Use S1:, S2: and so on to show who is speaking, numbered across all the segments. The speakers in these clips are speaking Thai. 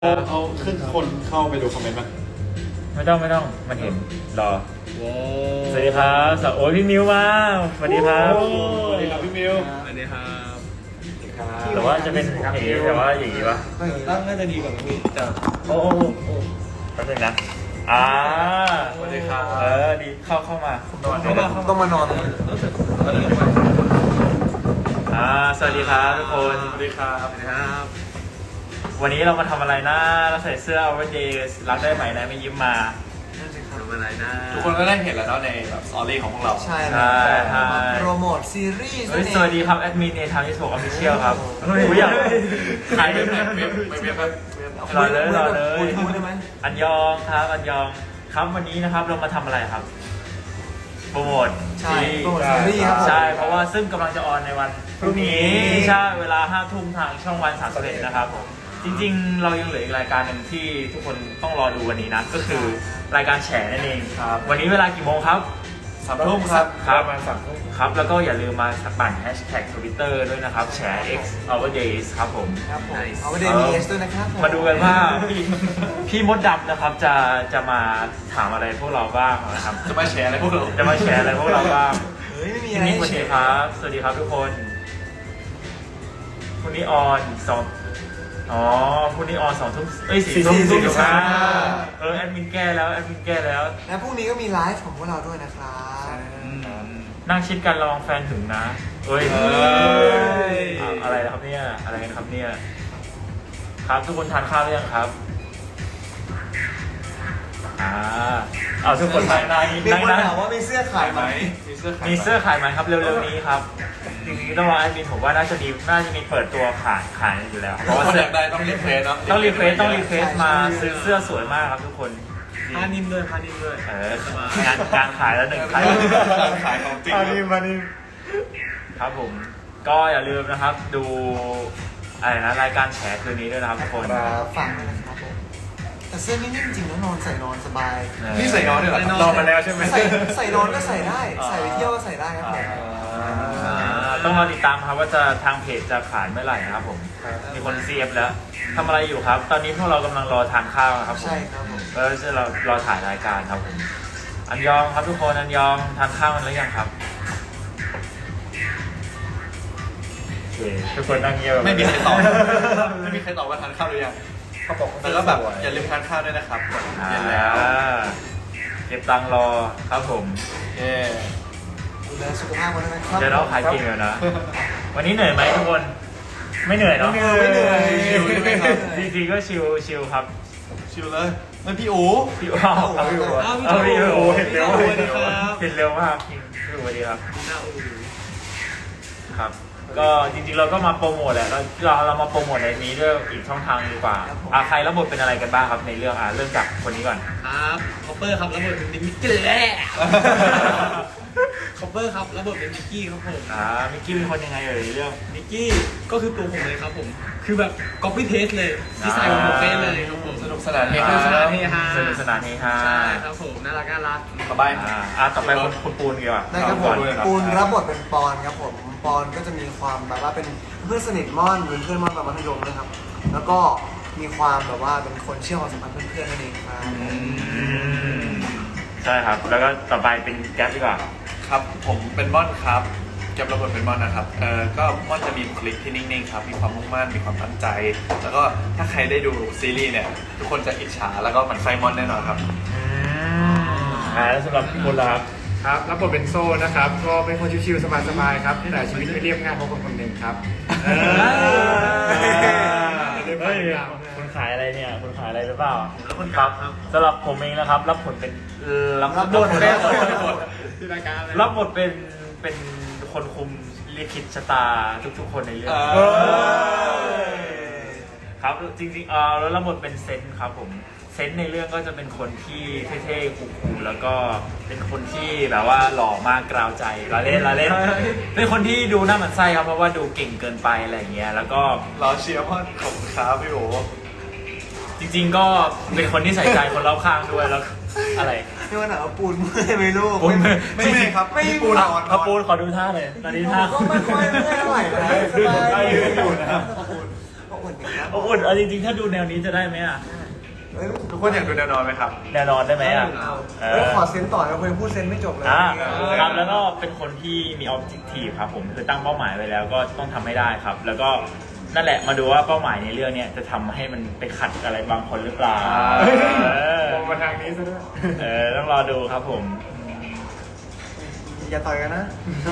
S1: เอาขึ้นคนเข้าไปดูคอมเมนต์มั้ย
S2: ไม่ต้องมันเห็นรอสวัสดีครับโอ้ยพี่มิวมาสวัสดีครับ
S1: สวัสดีครับพี่มิว
S3: สวัสดีครับ
S2: แต่ว่าจะเป็นอย่างนี้แต่ว่าอย่างนี้ปะ
S3: ตั้งน่าจะดีกว่าพี่แต่
S2: โอ้แป๊บนึงนะ
S1: สวัสดีครับ
S2: ดีเข้ามา
S3: ต้องมานอน
S2: สวัสดีครับทุกคน
S1: สวัสดีครับ
S2: วันนี้เรามาทำอะไรนะเราใส่เสื้อ Our Days รักได้ไหมนะไม่ยิ้มมา
S3: ทำอะไรนะ
S1: ทุกคนก็ได้เห็นแล้วเนาะในแบบสตอรี่ของพวกเรา
S3: ใช่โปรโมทซีรีส์
S2: สวัสดีครับแอดมินในทางที่ถูกออฟฟิเชียลครับอยากใครเป็นรอเลยอันยองครับอันยองครับวันนี้นะครับเรามาทำอะไรครับโปรโมท
S3: ใช่โปรโมทซีรีส์ครับ
S2: ใช่เพราะว่าซึ่งกำลังจะออนในวันพรุ่งนี้ใช่เวลา 5 ทุ่มทางช่องวัน31นะครับจริงๆเรายังเหลืออีกรายการหนึ่งที่ทุกคนต้องรอดูวันนี้นะก็คือรายการแฉนั่นเองครับวันนี้เวลากี่โมงครับ
S1: 3 ทุ่มครับ
S2: ประมาณ3 ทุ่มครับแล้วก็อย่าลืมมาปั่นแฮชแท็ก Twitter ด้วยนะครับแฉ X Our Days ครับผม
S3: ครับผม Our Days มี S ด้วยนะครับ
S2: มาดูกันว่าพี่มดดำนะครับจะมาถามอะไรพวกเราบ้างนะครับ
S1: จะมาแชร์อะไรพวกเรา
S2: บ้าง
S3: เฮ้ยไม่มีอะไร
S2: สวัสดีครับสวัสดีครับทุกคนคุณนิออนคุณนิออน2 ทุ่ม4 ทุ่มแอดมินแก้แล้ว
S3: แล้วพรุ่งนี้ก็มีไลฟ์ของพวกเราด้วยนะครับ
S2: นั่งชิดกันระวังแฟนถึงนะอะไรครับเนี่ยอะไรกันครับเนี่ยครับทุกคนทานข้าวหรือยังครับเอาทุกคนทาน
S3: มีคนถามว่ามีเสื้อขายไหม
S2: มีเสื้อขายไหมครับเร็วๆนี้ครับจริงๆต้องรอแอดมินผมว่าน่าจะมีเปิดตัวขายอยู่แล้ว
S1: เพราะว่าเสื้อได้ต้องรีเควสเนาะ
S2: ต้องรีเควสมาซื้อเสื้อสวยมากครับทุกคน
S3: พานิ่มด้วย
S2: การขายแล้วหนึ่งขาย
S1: ของจริง
S3: พานิ่ม
S2: ครับผมก็อย่าลืมนะครับดูอะไรนะรายการแฉคืนนี้ด้วยนะครับทุกคน
S3: ฟังด้วยนะครับผมแต่เสื้อนิ่มจริงๆแล้วนอนใส่นอนสบาย
S1: นี่ใส่นอนด้วยเหรอนอนมาแล้วใช่ไหม
S3: ใส่นอนก็ใส่ได้ใส่ไปเที่ยวก็ใส่ได้ครับผม
S2: ต้องรอติดตามครับว่าจะทางเพจจะขายเมื่อไหร่นะครับผมมีคนเซียบแล้วทำอะไรอยู่ครับตอนนี้พวกเรากำลังรอทานข้าวครับ
S3: ใช่ครับผม
S2: แล้วเรารอถ่ายรายการครับผมอันยองครับทุกคนอันยองทานข้าวกันหรือยังครับทุกคนนั่งเงียบ
S1: ไม่มีใครตอบว่าทานข้าวหรือยังเขาบอกแล้วแบบอย่าลืมทานข้าวด้วยนะครับเย็นแล้ว
S2: เก็บตังค์รอครับผม
S3: ดูแลสุขภาพกันนะครับ
S2: เดี๋ยวเราขายเก่งเลยนะวันนี้เหนื่อยไหมทุกคนไม่เหนื่อยเนาะ
S3: ไม่เหนื่อย
S2: จริงๆก็ชิลครับ
S1: ชิลเลยมันพี่อู๋
S2: เห็นเร็วมากพี่อู๋สวัสดีครับครับก็จริงๆเราก็มาโปรโมทแหละเรามาโปรโมทในนี้ด้วยอีกช่องทางดีกว่าใครรับบทเป็นอะไรกันบ้างครับในเรื่องเริ่มจากคนนี้ก่อน
S3: ครับคอปเปอร์ครับรับบทเป็นมิกกี้คอปเปอร์ครับรับบทเป็นมิกกี้ครับผม
S2: มิกกี้เป็นคนยังไงเรื่อง
S3: มิกกี้ก็คือตัวผมเลยครับผมคือแบบ copy paste เลยที่ใส่ของผมเป๊ะเลยครับผม
S1: สนุกสนานเฮฮา
S3: ใช่ครับผมน่ารัก
S1: สบาย
S2: ต่อไปคุณปูนดีกว่า
S3: ได้ครับผมปูนรับบทเป็นปอนครับผมปอนก็จะมีความแบบว่าเป็นเพื่อนสนิทม่อนเป็นเพื่อนม่อนแบบมัธยมนะครับแล้วก็มีความแบบว่าเป็นคนเชื่อความสัมพันธ์เพื่อนๆนั่นเองครับ
S2: ใช่ครับแล้วก็ต่อไปเป็นแก๊ปดีกว่า
S1: ครับผมเป็นม่อนครับแก๊ประบบเป็นม่อนนะครับก็ม่อนจะมีบุคลิกที่นิ่งๆครับมีความมุ่งมั่นมีความตั้งใจแล้วก็ถ้าใครได้ดูซีรีส์เนี่ยทุกคนจะอิจฉาแล้วก็หมั่นไส้ม่อนแน่นอนครับ
S2: แล้วสำหรับพี่มดล่ะ
S4: ครับรับบทเป็นโซ่นะครับก็เป็นคนชิวๆสบายๆครับแต่ชีวิตไม่เรียบง่ายเพราะคนหนึ่งครับ
S2: คุณขายอะไรเนี่ยคุณขายอะไรหรือเปล่าครับสำหรับผมเองนะครับรับบทเป็นคนคุมลิขิตชะตาทุกๆคนในเรื่องครับจริงๆแล้วรับบทเป็นเซนครับผมเซนในเรื่องก็จะเป็นคนที่เท่ๆคูลๆแล้วก็เป็นคนที่แบบว่าหล่อมากกราวใจเราเล่นเป็นคนที่ดูน่าหมั่นไส้ครับเพราะว่าดูเก่งเกินไปอะไรอย่างเงี้ยแล้วก็
S1: เราเชียร์พ่อของค้าพี่โอ
S2: จริงๆก็เป็นคนที่ใส่ใจคนรอบข้างด้วยแล้วอะไร
S3: ไม่ว่าหนาวปูนไม่รู้
S1: ไม่ครับ
S3: ไม่ปูน
S2: ปูนขอดูท่าเลยตอนนี้ท่า
S3: ก็ไม่ค่อยเท่าไหร่นะ
S2: ได้อยู่นะครับ
S3: เหมือน
S2: อบอุ่นเอาจริงๆถ้าดูแนวนี้จะได้ไหมอ่ะ
S3: เฮ้ย
S1: ทุกคนอยากดูแนวนอนไหมครับ
S2: แนวนอนได้ไหมอ่ะ
S3: เฮ้ยขอเซนต่อนะคุยพูดเซนไม่จบเลย
S2: ครับแล้วก็เป็นคนที่มี objective ครับผมคือตั้งเป้าหมายไว้แล้วก็ต้องทำให้ได้ครับ แล้วก็นั่นแหละมาดูว่าเป้าหมายในเรื่องเนี้ยจะทำให้มันไปขัดอะไรบางคนหรือเปล่า
S4: มองมาทางนี้ซะด้วย
S2: ต้องรอดูครับผม
S3: อย่าต่อยกันนะ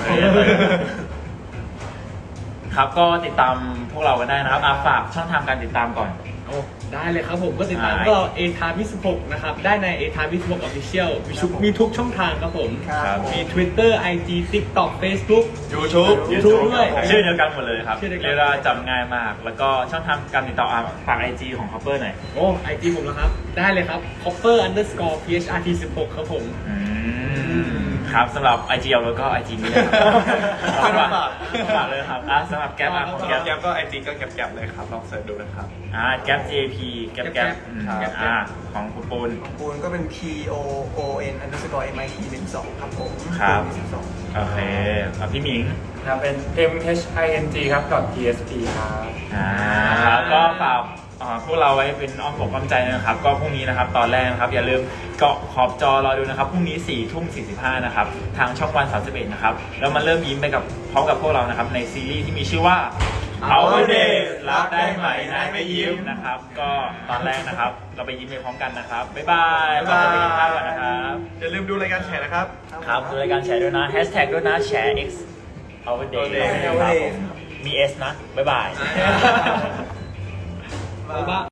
S2: ครับก็ติดตามพวกเรากันได้นะครับฝากช่องทางการติดตามก่อน
S5: โอ้ได้เลยครับผมก็ติดตามพวกเรา A Time 26นะครับได้ใน A Time 26 Official มีทุกช่องทางครับผม
S3: ครับ
S5: มี Twitter IG TikTok Facebook
S1: YouTube
S5: YouTube ด้วย
S2: ชื่อเดียวกันหมดเลยครับ
S5: ชื่อเดียวกัน
S2: เรียกว่าจำง่ายมาก แล้วก็ช่องทางการติดต่อฝาก IG ของ Copper หน่อย
S5: โอ้ IG ผมแล้วครับ ได้เลยครับ copper_phrt16 ครับผม
S2: ครับสำหรับ IG เอาแล้วก็ IG นี่นะครับ ฝากเลยครับสำหรับแก๊ปของ
S1: แก๊
S2: แก๊
S1: ป
S2: ป
S1: ก็ไอจีก็แก๊ปเลยครับลองเสิร์ชดูนะครับ
S2: แก๊ป JP แก๊ป
S5: ครับ
S2: ของคุณปูน
S3: ปูนก็เป็น POON_MIT12 ครับผม
S2: ครับ
S3: 12
S2: โอเคพี่หมิง
S4: ครับเป็น MHING ครับ .tsp ครับ
S2: ครับก็ฝากพวกเราไว้เป็นอ้อมอกอ้อมใจนะครับ ก็พรุ่งนี้นะครับตอนแรกนะครับอย่าลืมเกาะขอบจอรอดูนะครับพรุ่งนี้ 4:45 นะครับทางช่องวัน 31 นะครับแล้วมาเริ่มยิ้มไปกับพร้อมกับพวกเรานะครับในซีรีส์ที่มีชื่อว่า Our Days รับได้ไหมนายไม่ยิ้มนะครับ ก็ตอนแรกนะครับเราไปยิ้มไปพร้อมกันนะครับบ๊ายบายขอบคุณที่ข้าวกันนะครับ
S1: อย่าลืมดูรายการแชร์นะครับ
S2: ครับดูรายการแชร์ด้วยนะแฮชแท็กด้วยนะแชร์ X Our Days ครับผมมี S นะบ๊ายบาย
S5: บ๊ายบาย